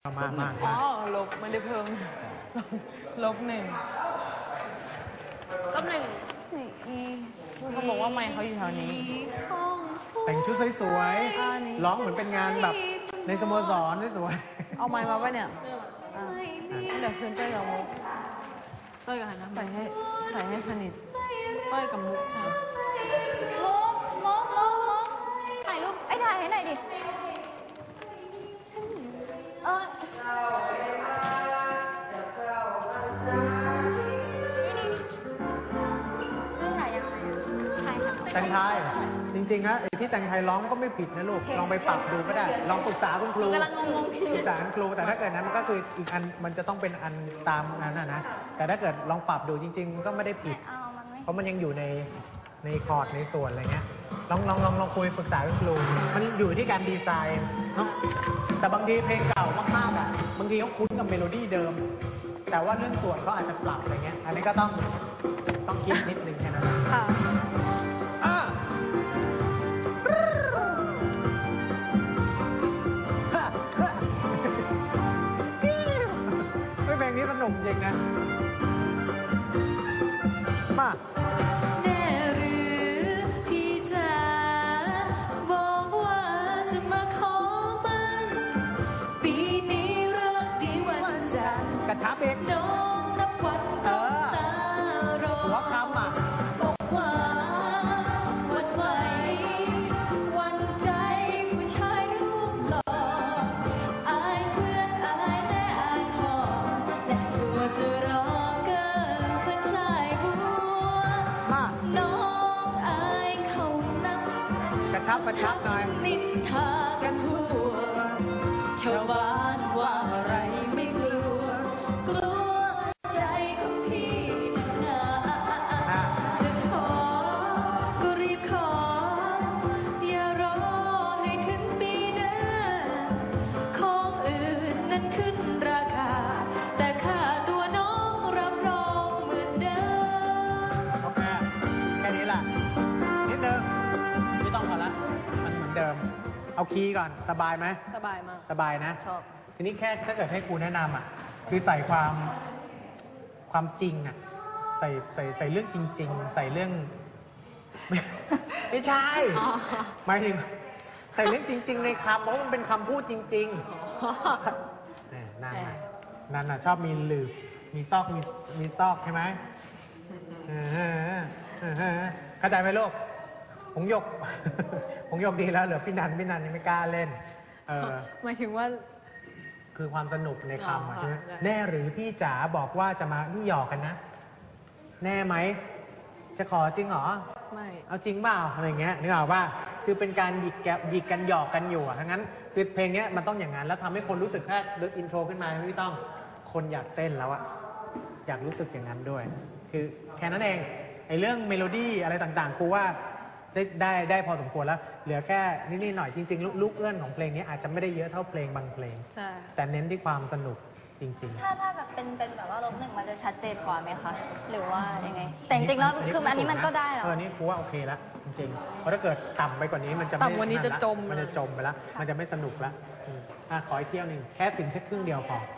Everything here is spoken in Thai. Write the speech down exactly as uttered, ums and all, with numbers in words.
มากมากอ๋อลบไม่ได้เพิ่มลบหนึ่งลบหนึ่งเขาบอกว่าไมค์เขาอยู่แถวนี้แต่งชุดสวยๆร้องเหมือนเป็นงานแบบในสโมสรสวยเอาไมค์มาปะเนี่ยเดี๋ยวคืนเต้ยกับมุกเต้ยกับหันนะใส่ให้ใส่ให้สนิทเต้ยกับมุกค่ะมุกมุกมุกมุกถ่ายรูปไอ้ถ่ายให้หน่อยดิเออแต่งไทยจริงๆนะไอ้ที่แต่งไทยร้องก็ไม่ผิดนะลูกลองไปปรับดูก็ได้ลองปรึกษาคุณครูปรึกษาคุณครูแต่ถ้าเกิดนั้นมันก็คืออีกอันมันจะต้องเป็นอันตามนั้นนะนะแต่ถ้าเกิดลองปรับดูจริงๆก็ไม่ได้ผิดเพราะมันยังอยู่ในในคอร์ดในส่วนอะไรเงี้ยลองลองลองลองคุยปรึกษาคุณครูมันอยู่ที่การดีไซน์เนาะแต่บางทีเพลงเก่ามากๆอ่ะบางทีเขาคุ้นกับเมโลดี้เดิมแต่ว่าเรื่องส่วนเขาอาจจะปรับอะไรเงี้ยอันนี้ก็ต้องต้องคิดนิดนึงแค่นั้นค่ะเพลงนี้สนุกจริงนะมาแน่หรือพี่จ๋าบอกว่าจะมาขอมันปีนี้เลิกดีวันจันทร์กระชับเองน้องนับวันต้องตารอหัวคำอ่ะบอกว่าวันไหววันใจผู้ชายรูปหล่ออายเพื่อนอายแน่อายหอและกลัวจะรอเกินเพื่อนสายบัวน้องอายเขานักกระชับกระชับหน่อยนินทากันทั่วชาวบ้านว่าอะไรไม่กลัวกลัวใจของพี่นะจะขอก็รีบขออย่ารอให้ถึงปีหน้าของอื่นนั้นขึ้นราคาแต่ค่าตัวน้องรับรองเหมือนเดิมโอเคแค่นี้แหละนิดนึงไม่ต้องพอละมันเหมือนเดิมเอาคีย์ก่อนสบายไหมสบายมากสบายนะชอบทีนี้แค่ถ้าเกิดให้ครูแนะนำอ่ะคือใส่ความความจริงอ่ะใส่ใส่ใส่เรื่องจริงๆใส่เรื่องไม่ใช่หมายถึงใส่เรื่องจริงๆในคำเพราะมันเป็นคำพูดจริงๆนั่นน่ะนั่นน่ะชอบมีหลืบมีซอกมีมีซอกใช่ไหมเข้าใจไหมลูกผงหยกผงหยกดีแล้วเหลือพี่นันพี่นันยังไม่กล้าเล่นเออหมายถึงว่าคือความสนุกในคำใช่ไหมแน่หรือพี่จ๋าบอกว่าจะมานี่หยอกกันนะแน่ไหมจะขอจริงเหรอไม่เอาจริงเปล่าอะไรเงี้ยนึกออกป่ะคือเป็นการหยิกแกหยิกกันหยอกกันอยู่ทั้งนั้นคือเพลงนี้มันต้องอย่างนั้นแล้วทำให้คนรู้สึกแค่ลึกอินโทรขึ้นมาไม่ต้องคนอยากเต้นแล้วอะอยากรู้สึกอย่างนั้นด้วยคือแค่นั้นเองไอ้เรื่องเมโลดี้อะไรต่างๆครูว่าได้ได้ได้พอสมควรแล้วเหลือแค่นิดๆหน่อยจริงๆลูกเอื้อนของเพลงนี้อาจจะไม่ได้เยอะเท่าเพลงบางเพลงแต่เน้นที่ความสนุกจริงๆถ้าถ้าแบบเป็นเป็นแบบว่าลบหนึ่งมันจะชัดเจนกว่าไหมคะหรือว่ายังไงแต่จริงๆแล้วคืออันนี้มันก็ได้แล้วเออนี่ครูว่าโอเคแล้วจริงๆเพราะถ้าเกิดต่ำไปกว่านี้มันจะไม่ต่ำกว่านี้จะจมมันจะจมไปแล้วมันจะไม่สนุกแล้วอ่ะขออีกเที่ยวหนึ่งแค่ถึงแค่ครึ่งเดียวพอ